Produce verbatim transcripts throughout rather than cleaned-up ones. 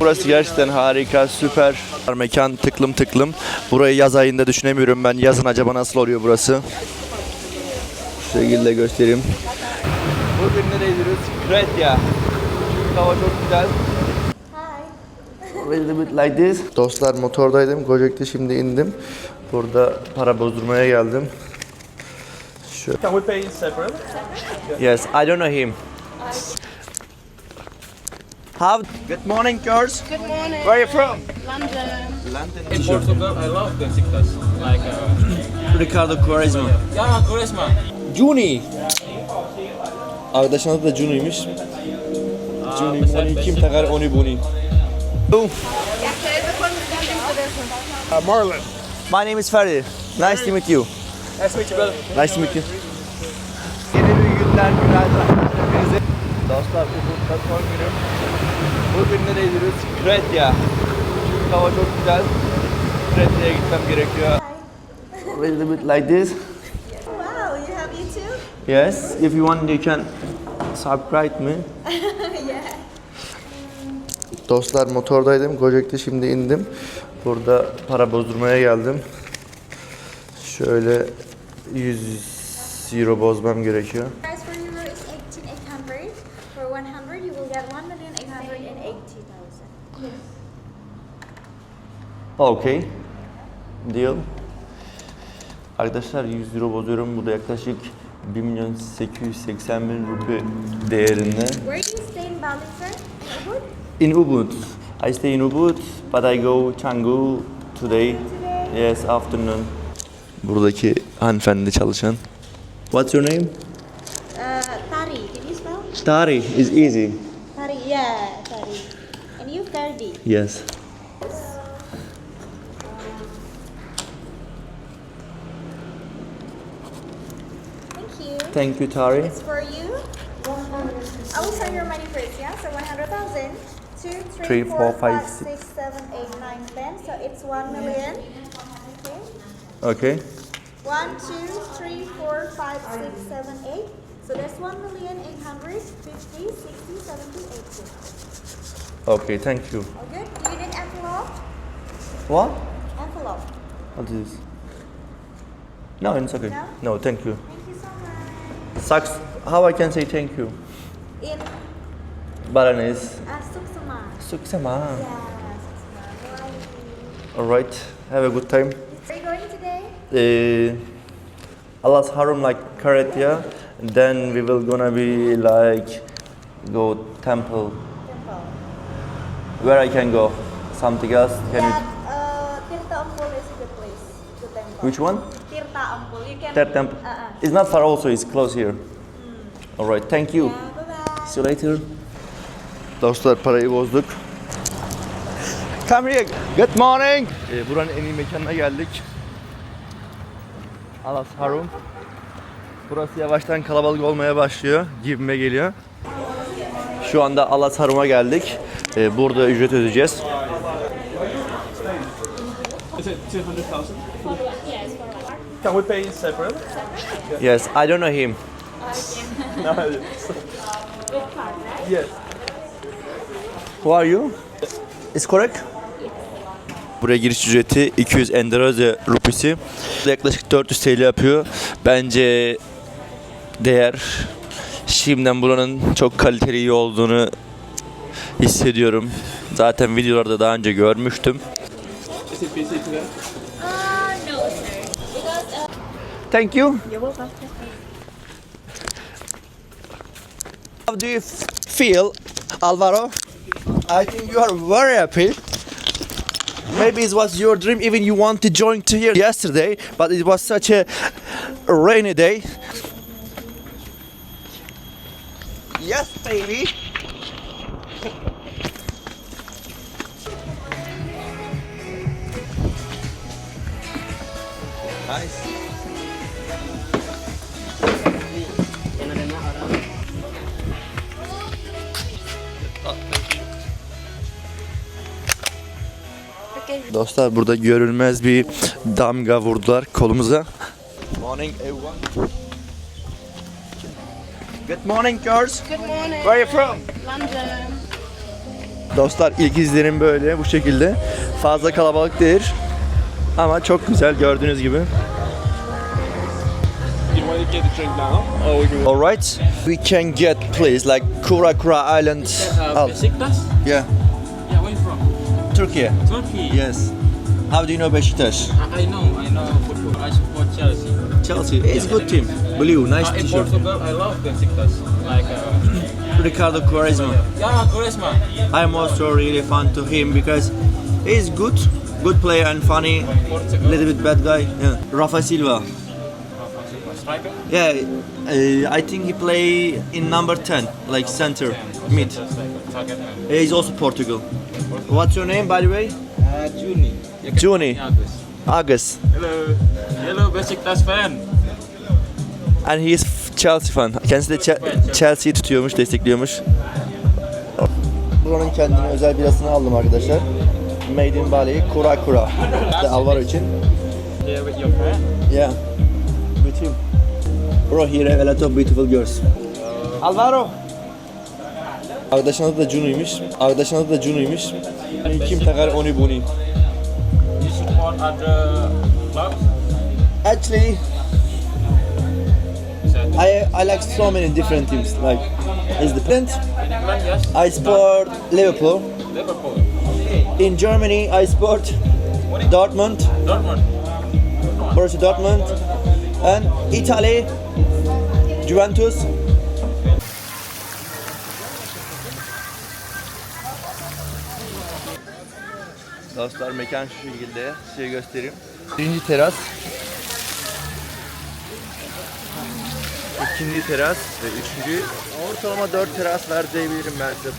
Burası gerçekten harika, süper. Mekan tıklım tıklım. Burayı yaz ayında düşünemiyorum ben. Yazın acaba nasıl oluyor burası? Şu şekilde göstereyim. Bugün nereye gidiyoruz? Kretya. Çünkü hava çok güzel. A little bit like this. Dostlar, motordaydım. Gojek'te şimdi indim. Burada para bozdurmaya geldim. Şu. Can we pay separate? Yes, I don't know him. How? Good morning, girls. Good morning. Where are you from? London. London. In Portugal, I love Besiktas. Like uh, Ricardo Quaresma. yeah, Quaresma. Juni. Arkadaşın adı da Juni'ymiş. Juni, Moni, kim takar onu bunu? Uh, Marlon. My name is Ferdi. Nice to meet you. Nice to meet you, brother. Nice to meet you. Yeni bir günler, günaydın hepinize. Dostlar, Ubud'da son günüm. Bugün nereye gidiyoruz? Kretya. Çünkü hava çok güzel. Kretya'ya gitmem gerekiyor. A little bit like this. Wow, you have YouTube? Yes, if you want you can subscribe me. Yeah. Dostlar, motordaydım. Gojek'te şimdi indim. Burada para bozdurmaya geldim. Şöyle yüz euro bozmam gerekiyor. Price for euro is eighteen eight hundred. For one hundred you will get one million eight hundred eighty thousand. Yes. Okay. Deal. Arkadaşlar, yüz euro bozuyorum. Bu da yaklaşık bir milyon sekiz yüz seksen bin rupi değerinde. Where do you stay in Bali, sir? In In Ubud? Ubud. I stay in Ubud, but I go Canggu today. Today? Yes, afternoon. Buradaki hanımefendi çalışan. What's your name? Uh, Tari, can you spell? Tari is easy. Tari, yeah, Tari. And you, Ferdi. Yes. Thank you. Thank you, Tari. It's for you. I will send your money first, yeah? So one hundred thousand. Two, three, Three, four, four, five, five, six, seven, eight, nine, ten. So it's one million. Okay. Okay. One, two, three, four, five, six, seven, eight. So that's one million eight hundred fifty, sixty, seventy, eighty. Okay, thank you. All good? Do you need envelope? What? Envelope. What is this? No, it's okay. No? No, thank you. Thank you so much. Sucks. How I can say thank you? In Baranese. uh, Suksuma. Suksema. Yeah, Suksuma. Bye. Alright. Have a good time. Where are you going today? Uh, Allah's Harum like Kretya. Then we will gonna be like go temple. Temple. Where I can go? Something else? Can That uh, Tirta Ampul is a good place to temple. you? Which one? Tirta Ampul. You can. That temple. Uh-uh. It's not far. Also, it's close here. Alright. Thank you. Yeah, bye-bye. See you later. Dostlar, parayı bozduk. Come here. Good morning. Ee, buranın en iyi mekanına geldik. Allah's Harum. Burası yavaştan kalabalık olmaya başlıyor. Gibime geliyor. Şu anda Allah's Harum'a geldik. Ee, burada ücret ödeyeceğiz. Is it two hundred thousand? Can we pay separate? Yes, I don't know him. No. Yes. Who are you? Is correct? Buraya giriş ücreti iki yüz Endonezya rupisi. Yaklaşık dört yüz T L yapıyor. Bence değer. Şimdiden buranın çok kaliteli iyi olduğunu hissediyorum. Zaten videolarda daha önce görmüştüm. Is it busy today? Uh, no, sir. Because uh, Thank you. you're welcome. How do you feel, Alvaro? I think you are very happy. Maybe it was your dream, even you want to join to here yesterday, but it was such a rainy day. Yes, baby. Nice. Dostlar, burada görülmez bir damga vurdular kolumuza. Morning everyone. Good morning, girls. Good morning. Where are you from? London. Dostlar ilk izlenim böyle bu şekilde. Fazla kalabalık değil. Ama çok güzel gördüğünüz gibi. You want to get the drink now? Or we can... Alright. We can get please like Kura Kura Island. Uh, Al. Besiktas? Yeah. Yeah, where you from? Turkey. Turkey. Yes. How do you know Beşiktaş? I, I know, I know football. I support Chelsea. Chelsea. It's good team. Blue, nice Uh, in t-shirt. Portugal, I love Besiktas. Like, uh, Ricardo Quaresma. yeah, Quaresma. I'm also really fan to him because he's good, good player and funny. Portugal. Little bit bad guy. Yeah. Rafa Silva. Striker? Yeah, uh, I think he play in number ten, like center, mid. Target man. He's also Portugal. What's your name, by the way? Uh, Juni. Juni. Agus. Agus. Hello. Hello, Besiktas fan. And he is f- Chelsea fan. Kendisi de Che- Chelsea'yi tutuyormuş, destekliyormuş. Buranın kendine özel birasını aldım arkadaşlar. Made in Bali, Kura Kura. İşte Alvaro için. Here with your friend. Yeah. With him. Bro, here have a lot of beautiful girls. Alvaro. Arkadaşın adı da Junu'ymuş. Arkadaşın adı da Junu'ymuş. Kim takar onu bunu? You support other clubs? Actually, I I like so many different teams. Like, is different. In England, yes. I support Liverpool. Liverpool. In Germany, I support Dortmund, Dortmund. Borussia Dortmund, and Italy, Juventus. Dostlar mekan şu şekilde, size göstereyim. Birinci teras, ikinci teras ve üçüncü. Ortalama dört teras var diyebilirim ben size.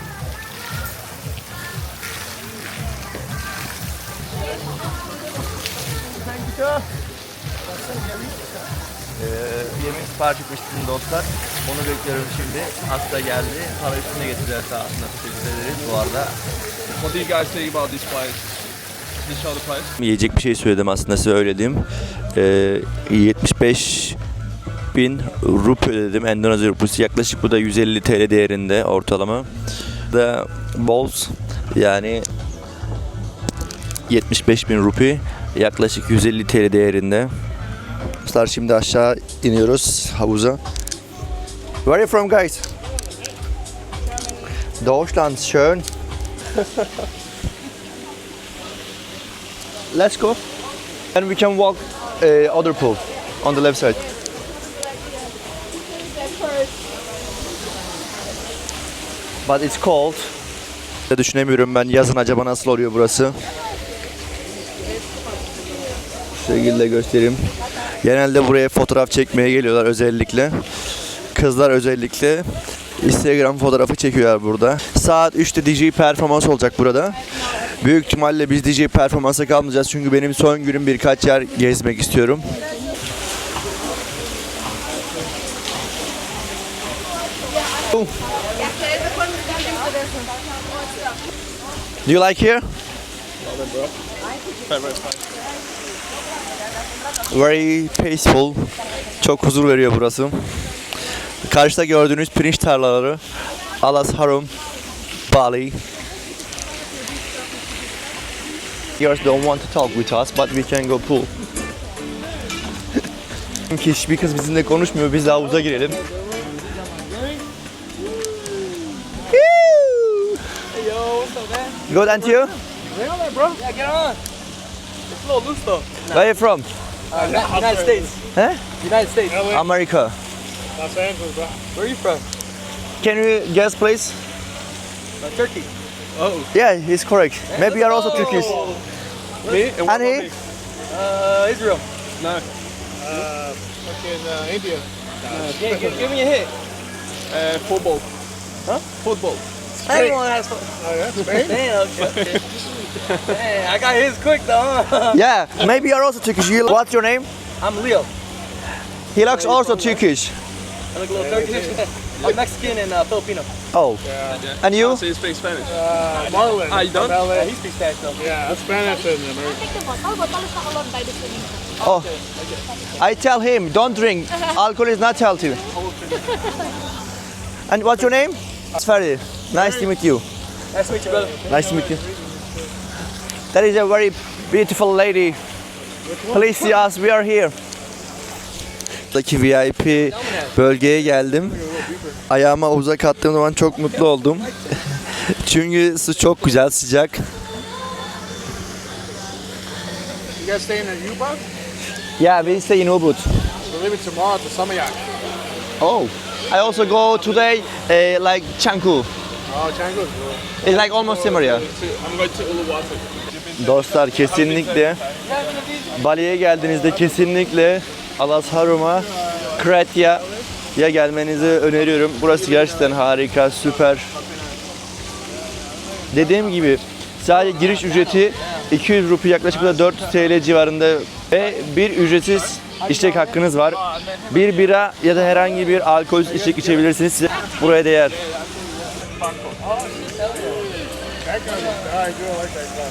Ee, yemek sipariş etmiştim dostlar. Onu bekliyorum şimdi. Hasta geldi. Para üstüne getirdiler sağ olsunlar. Teşekkür ederiz bu arada. What do you guys think about this place? Can you show the place? Yiyecek bir şey söyledim aslında size öyle diyeyim. Ee, yetmiş beş bin rupi ödedim. Endonezya rupisi yaklaşık bu da yüz elli T L değerinde ortalama. Da bowls yani yetmiş beş bin rupi yaklaşık yüz elli T L değerinde. Dostlar şimdi aşağı iniyoruz havuza. Where are you from guys? Deutschland, schön. Let's go. And we can walk uh, other pool on the left side. But it's cold. Düşünemiyorum ben yazın acaba nasıl oluyor burası. Şu şekilde göstereyim. Genelde buraya fotoğraf çekmeye geliyorlar özellikle. Kızlar özellikle Instagram fotoğrafı çekiyorlar burada. Saat üçte D J performans olacak burada. Büyük ihtimalle biz D J performansa kalmayacağız çünkü benim son günüm birkaç yer gezmek istiyorum. Do you like here? Very peaceful. Çok huzur veriyor burası. Karşıda gördüğünüz pirinç tarlaları. Alas Harum, Bali. Girls don't want to talk with us, but we can go pool. Çünkü hiçbir kız bizimle konuşmuyor, biz de havuza girelim. Good, and you? Get on there, bro. Yeah, get on. It's a little loose though. Where are you from? Uh, United States. Huh? United States. America. Los Angeles, bro. Where are you from? Can you guess, please? Uh, Turkey. Oh. Yeah, he's correct. Maybe you're also Turkish. Me? And, what And he? about me? Uh, Israel. No. Uh, fucking uh, India. Uh, Give, give, give me a hit. uh, football. Huh? Football. Everyone has fun. Oh yeah, Spain. Damn, okay. Dang, I got his quick though. Huh? Yeah, maybe you're also Turkish. You, what's your name? I'm Leo. He looks also Turkish. I look a little Turkish. I'm Mexican and uh, Filipino. Oh, and you? So you speak Spanish? Uh, Marlon. Ah, you don't? Yeah, he speaks Spanish though. Yeah, Spanish and American. Take the bottle. Bottle is not allowed by the swimming pool. Oh, I tell him, don't drink. Alcohol is not healthy. And what's your name? It's Ferdi. Nice to meet you. Nice to meet you, brother. Nice to meet you. That is a very beautiful lady. Please see us, we are here. Buradaki V I P bölgeye geldim. Ayağıma uzak attığım zaman çok mutlu oldum. Çünkü su çok güzel, sıcak. You guys staying at U-Boat? Yeah, we stay in Ubud. We're leaving tomorrow to Samayak. Oh, I also go today uh, like Canggu. Oh, Canggu. It's like almost similar. I'm going to Uluwatu. Dostlar kesinlikle Bali'ye geldiğinizde kesinlikle Alasharum'a, Kratya'ya gelmenizi öneriyorum. Burası gerçekten harika, süper. Dediğim gibi sadece giriş ücreti iki yüz rupi, yaklaşık da dört yüz T L civarında ve bir ücretsiz içecek hakkınız var. Bir bira ya da herhangi bir alkolsüz içecek içebilirsiniz. Size buraya değer. That kind of, I do like that stuff.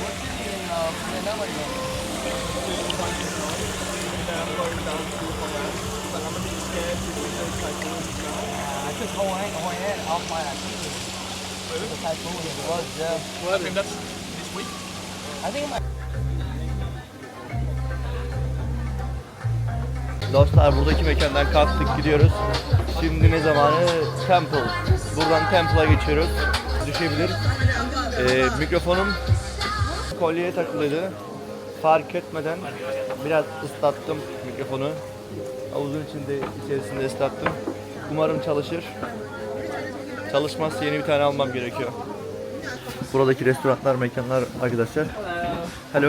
Dostlar buradaki mekandan kalktık, gidiyoruz. Şimdi ne zamanı? Temple. Buradan Temple'a geçiyoruz. Düşebilir. Ee, mikrofonum kolyeye takılıydı. Fark etmeden biraz ıslattım mikrofonu. Havuzun içinde içerisinde ıslattım. Umarım çalışır. Çalışmazsa yeni bir tane almam gerekiyor. Buradaki restoranlar, mekanlar arkadaşlar. Hello.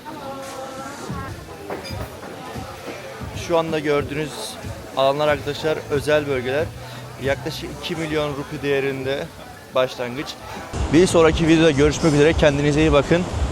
Şu anda gördüğünüz alanlar arkadaşlar özel bölgeler. Yaklaşık iki milyon rupi değerinde başlangıç. Bir sonraki videoda görüşmek üzere. Kendinize iyi bakın.